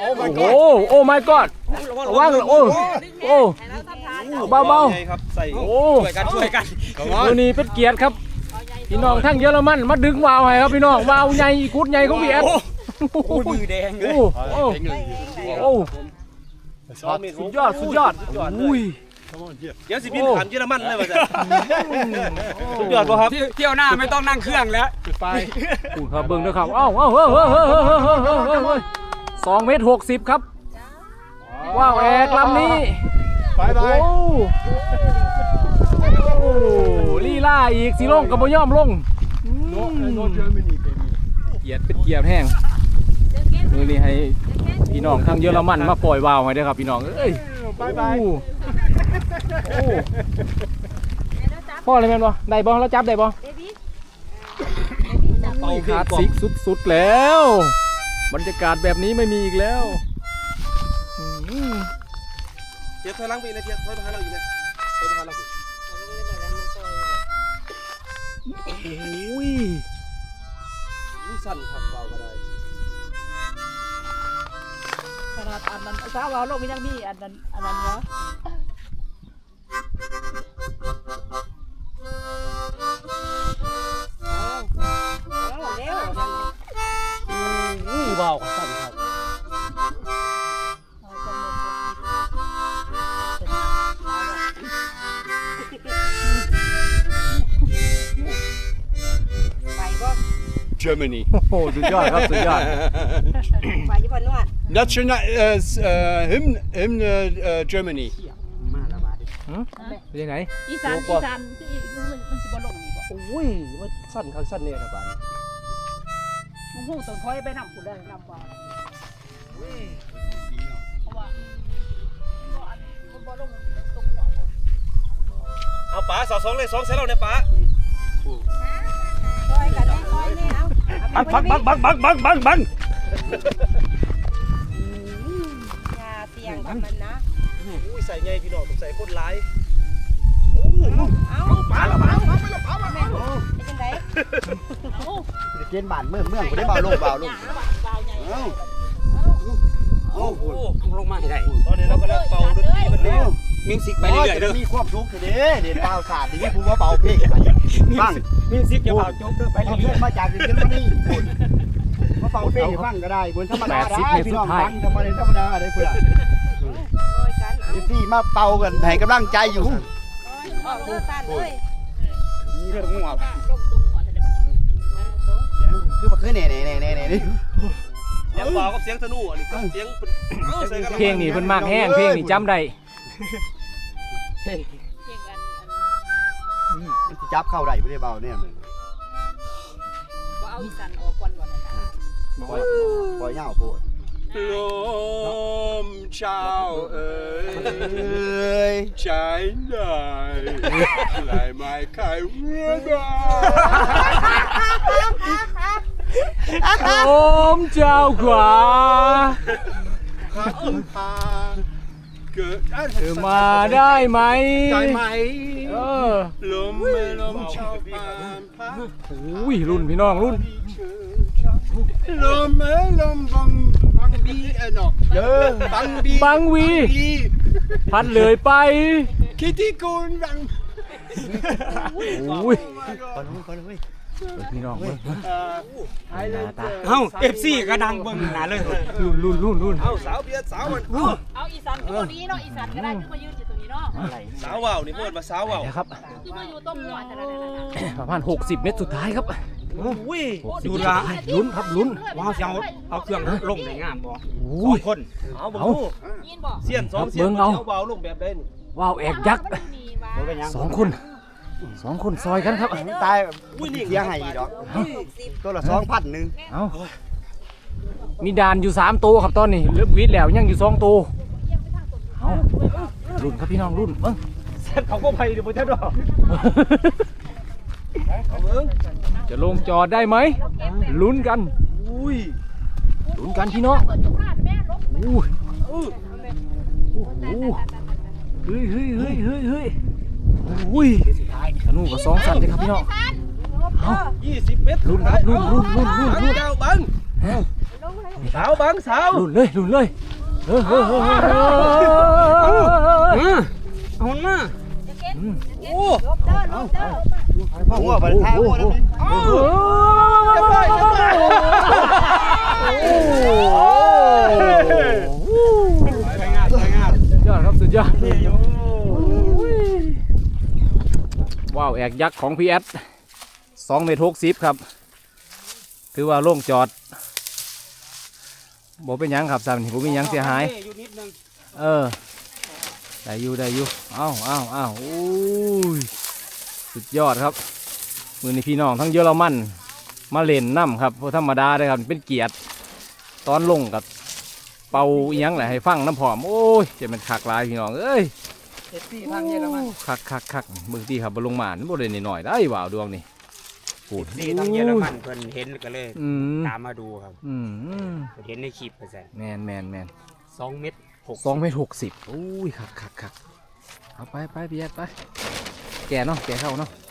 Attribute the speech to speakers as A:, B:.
A: โอ้โอ้ my god ว่างโอ้โอ้เบา
B: ครับใส่
A: ๆโอ้
B: ช่วยกัน
A: ตัวนี้เป็นเกียรติครับพี่น้องทั้งเยอรมันมาดึงวาวให้ครับพี่น้องวาวใหญ่กุดใหญ่ของพี่แอด
B: มือแดงเลย
A: โอ้สุดยอดอุ้ย
B: เดี๋ยวสิบินผ่านเยอรมันเลยว่าจะสุดยอดป่ะครับ
C: เที่ยวหน้าไม่ต้องนั่งเครื่องแล้ว
A: ไปคุณครับเบิ้งด้วยครับ2 เมตร 60ครับว้าวแอกลำนี้
D: ไป
A: โอ้ลีล่าอีกสีลงกับบ่ย่อมลงเกียรติเป็นเกียรติแห้งมือนี้ให้พี่น้องทางเยอรมันมาปล่อยวาวให้ด้วยครับพี่น้องเอ้ยไปพ่ออะไรแม่นบ่ได้บ่แล้วจับได้บ่ขาดซิกสุดๆแล้วบรรยากาศแบบนี้ไม่มีอีกแล้ว
B: เทียบถอยหลังไปเลยเทียบถอยมาหาเราอยู่เนี่ยถอยมาหาเรา
A: โอ้ย
B: สั่นขับเบาก็ได้
E: ขนาดอันนั้นสาวโลกยังมีอันนั้นเนาะเร็ว
A: เบาสั่นครับ
D: Germany
A: โอ้โหสุดยอดครับสุดยอด
E: ไปญี่ปุ่นนวด
D: National Hymn Germany
A: เป็นยังไง
E: อีสานที่อีกมันสิบ่ลงนี่บ่
B: โอ้ยว่าสั่นข้างสั่นเนี่ยครับบ้าน
E: มึงฮู้ต้องถอยไปนำกูได้นำว่าเพราะว่าบ่ลงตรงหัว
B: เอาป๋าสาว2เลย2ใส่เราเนี่ยป๋า
E: ถอยกันได้ถอยนี่เอา
B: บัง
E: อย่าเสี่ยงกับมันนะ
B: อุ้ยใส่ไงพี่น้องต้องใส่คนร้าย
E: เอาป๋าแล้วป๋าเป็นจังได๋
D: จะเกณฑ์บ้านเมืองบ่ได้เบาลง
C: โอ้โหลงมาให้ได้
B: ตอนนี้เรากำลังเป่าดนตรีมันเนี่ย
C: มิวสิกไปเรื่อยๆเด้อ
D: มีความสุขเด้เด่นเบาสาดนี่ผู้ว่าเบาเพลงฟัง
C: มิวสิกจะเบาจบเด้อไปเรื่อย
D: ๆมาจากเยอรมนีมาเป่าเพลงฟังก็ได้บนธรรมดาได้พี่น้องฟังธรรมดาได้พุ่นล่ะพี่มาเป่ากันให้กำลังใจอยู่
C: นี่เรื่องงัว
D: คือมาคือเน่นี่
B: เสียงเบากับเสียงธนูอันนี้ก็เสียง
A: เพลงนี่เพิ่นมากแห้งเพลงนี่จำได้
D: จับเข้าได้ไม่ได้เบาเนี่ยมัน
E: เอาอีสานออกก่อน
D: ปล่อยเงาโพด
B: ลมเช้าเอ๋ยใจได้ไหลไม่ใครเมื่อใด
A: โอมเจ้ากว่า
B: เกิด
A: มาได้ไหม
B: ลมเช้าผ่านพัด
A: อุ้ยรุ่นพี่น้องรุ่น
B: ลมบังบีเนาะ
A: บังวีพัดเลยไป
B: คิดที่กูบัง
A: อุ้ยพี่น้อง
C: เอ้า FC ก็ดังเบิ่งหน้าเลย
A: รุ่น
B: เอาสาวเบียร์สาวมัน
E: เอาอีสานตัวนี้เนาะอีสานก็ได้ที่มายืนอยู่ตรงนี้เนาะ
B: สาวว่าวนี่เพิ่นมาสาวว่าว
A: ครับ
E: ที่มาอยู่ต้มหัว
A: ประมาณ60 เมตรสุดท้ายครับ
C: อุ้ยดูละ
A: ลุ้นครับลุ้น
C: ว้าวเอาเครื่องลงได้งามบ่2 คน
B: เอาบ่ยินบ่เสียน2เสียนเอาว่าวลงแบบใดนี่
A: ว่าวแอกยักษ์2 คนซอยกันครับ
D: ตายเสียให้ดอกตัวละ2,000นึง
A: เอามีดานอยู่3ตัวครับตอนนี้เลิกวิทย์แล้วยังอยู่2ตัวเอารุ่นครับพี่น้องรุ่น
B: เส้นเขาก็ไปเดี๋ยวบ่ทันดอก
A: จะลงจอดได้ไหมลุ้นกันลุ้นกันพี่น้องเฮ้ยอุ้ยธนูกับ2 สันเลยครับพี่น้อง
B: 20 เมตร
A: รุ่นครับรุ่น
B: เจ้าบัง
E: เสาบังเสา
A: หลุนเลยเออ
C: เอามันมา
E: โอ้
D: หัวไปท้ายหัวนั่นนี่
E: จะไป
C: ไปงานไปงาน
A: ยอดครับสุดยอดว้าวแอกยักษ์ของพี่แอด2 เมตร 60ครับถือว่าโล่งจอดบ่เป็นหยังครับซ้ำนี่บ่มีหยังเสียหาย
C: อยู่นิดนึง
A: ได้อยู่อ้าวโอ้ยสุดยอดครับมือนี้พี่น้องทั้งเยอรมันมาเล่นน้ำครับเพราะธรรมดาเลยครับเป็นเกียรติตอนลงกับเป่าอีหยังแหละให้ฟังน้ำผอมโอ้ยจะเป็นคักหลายพี่น้องเอ้ย
C: เอฟซีทางเยอรมัน
A: คักเบิ่งที่ครับบลงมาบ่ได้หน่อยๆได้ว่าวดวงนี่พูด
C: ซีทางเยอรมันเพิ่นเห็นก็เลย ตามมาดูครับ เพิ่นเห็นในคลิปไปใส่
A: แมน
C: 2 เม็ด
A: 2 เมตร 60อุ้ยคักเอาไปพี่แอดไปแกเนาะแกเข้าเนาะ